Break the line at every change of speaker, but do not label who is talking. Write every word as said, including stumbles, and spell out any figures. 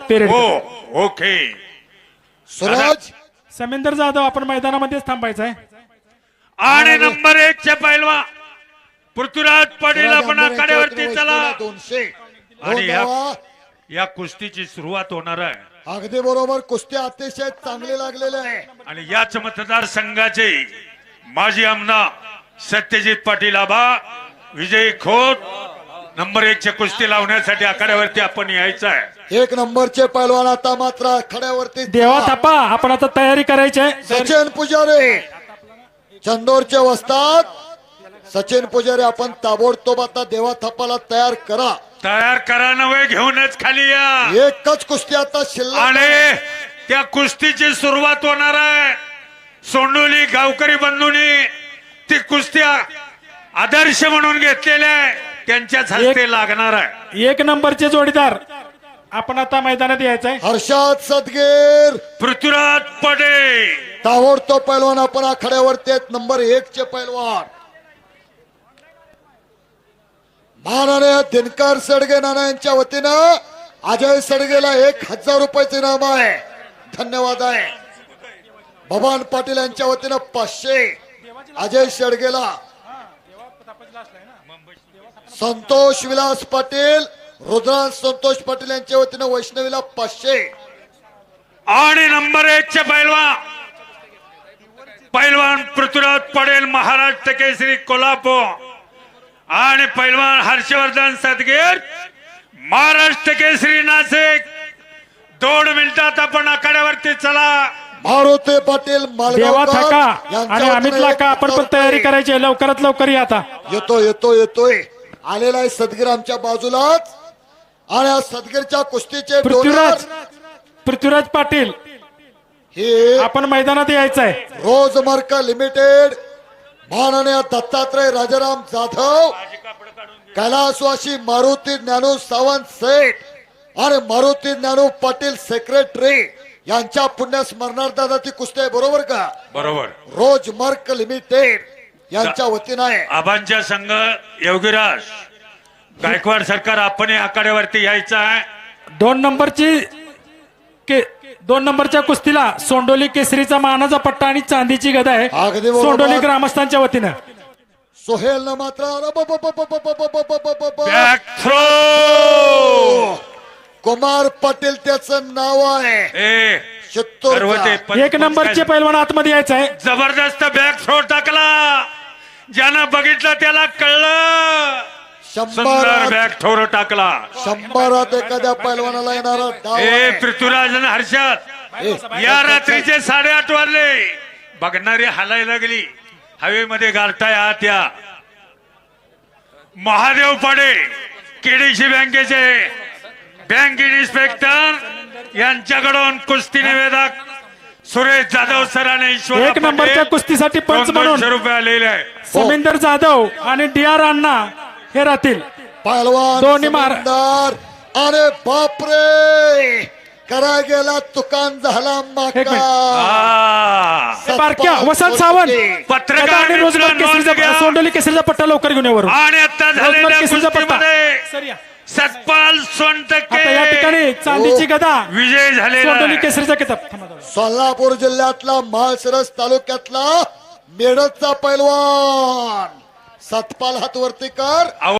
Parade.
हो okay.
Suraj
समेंदर Jadhav आपण मैदानामध्येच थांबायचं आहे.
आणि नंबर एक चे पैलवान पृथ्वीराज पाटील आपण आखाड्यावरती चला.
दोनशे
आणि या या कुस्तीची सुरुवात होणार आहे.
अगदी बरोबर. कुस्ती अतिशय चांगली लागलेली आहे.
आणि याच मतदारसंघाचे माजी आमदार सत्यजित पाटील आबा विजय खोत नंबर एक चे कुस्ती लावण्यासाठी आखाड्यावरती आपण यायचं आहे.
एक नंबरचे पैलवान आता मात्र आखाड्यावरती
देवा थापा आपण आता तयारी करायची आहे.
सचिन पुजारी चंदोरचे वस्ताद सचिन पुजारी आपण ताबडतोब आता देवा थापाला तयार करा.
तयार करा नव्हे घेऊनच खाली या.
एकच कुस्ती आता शिल्लक
आणि त्या कुस्तीची सुरुवात होणार आहे. सोंडोली गावकरी बंधूंनी ती कुस्ती आदर्श म्हणून घेतलेल्या आहे. त्यांच्याच हस्ते लागणार आहे.
एक नंबरचे जोडीदार आपण आता मैदानात यायचं आहे.
हर्षद सदगीर
पृथ्वीराज पटेल
ताबडतोब पैलवान आपण आखाड्यावरती आहेत. नंबर एक चे पैलवान माननीय दिनकर सडगे नाना यांच्या वतीनं अजय सडगेला एक हजार रुपयाचे इनाम आहे. धन्यवाद आहे. भवान पाटील यांच्या वतीनं पाचशे अजय सडगेला. संतोष विलास पाटील रुद्रांश संतोष पाटील यांच्या वतीनं वैष्णवीला पाचशे.
आणि नंबर एक चे पैलवान पैलवान पृथ्वीराज पटेल महाराष्ट्र केसरी कोल्हापूर आणि पैलवान हर्षवर्धन सदगीर महाराष्ट्र केसरी नाशिक. दोन मिनिटात आपण आखाड्यावरती चला.
मारुती पाटील
देवा थाका
यांच्या
आणि अमित
वतीनं
लाका आपण पण तयारी करायची आहे. लवकरात लवकर या आता.
येतो येतो येतोय आलेला आहे सदगीर आमच्या बाजूलाच. आणि या सदगीरच्या कुस्तीचे
पृथ्वीराज पृथ्वीराज पाटील
हे
आपण मैदानात यायचं आहे.
रोज मार्क लिमिटेड माननीय दत्तात्रय राजाराम जाधव कैलासवासी मारुती ज्ञानू सावंत सेठ आणि मारुती ज्ञानू पाटील सेक्रेटरी यांच्या पुण्य स्मरणार्थ ती कुस्ती आहे. बरोबर का?
बरोबर.
रोज मार्क लिमिटेड यांच्या वतीनं आहे.
आबांच्या संघ योगीराज गायकवाड सरकार आपण आखाड्यावरती यायचं आहे.
दोन नंबरची के दोन नंबरच्या कुस्तीला सोंडोली केसरीचा मानाचा पट्टा आणि चांदीची गदा आहे.
अगदी बरोबर.
सोंडोली ग्रामस्थांच्या वतीनं
सोहेल न मात्र
बॅक थ्रो
कुमार पाटील त्याचं नाव आहे.
ए
चित्तूरचा.
सर्वते पण-
एक नंबरचे पैलवान आतमध्ये यायचं आहे.
जबरदस्त बॅक थ्रो टाकला. ज्यानं बघितलं त्याला कळलं. सुंदर
शंभरात
बॅक थ्रो टाकला.
शंभरात एखाद्या पैलवानाला येणारा डाव
ए
आहे.
पृथ्वीराज आणि हर्षद
ए,
या रात्रीचे साडेआठ वाजले. बघणारी हालायला लागली. हवेमध्ये गारठाय आत या. महादेव पाडे केडीसी बँकेचे बँक इन्स्पेक्टर यांच्याकडून कुस्ती निवेदक सुरेश जाधव सरांनी ईश्वर
एक नंबरच्या कुस्तीसाठी पंच म्हणून
रुपये आलेले आहे.
समेंदर जाधव आणि डी आर अण्णा हे राहतील.
पैलवान
दोन्ही मार.
समजदार. अरे बापरे करा गेला तुकान झाला
एक
माका.
आ,
हे बारक्या वसंत सावंत
पत्रकार
गदा आणि रोजगार
मित्र नोंद घ्या.
केसरीचा सोंडोली केसरीचा पट्टा लवकर घेऊन यावर.
आणि आता
रोजगार
झालेल्या
केसरीचा पट्टा
कुस्तीमध्ये
सर या.
सतपाल सोनटक्के
आता या ठिकाणी चांदीची गदा
विजय झालेला
सोंडोली
आहे.
केसरीचा किताब. थांबा जरा.
सोलापूर जिल्ह्यातला माळशिरस तालुक्यातला मेडचा पैलवान सतपाल हातवरती कर.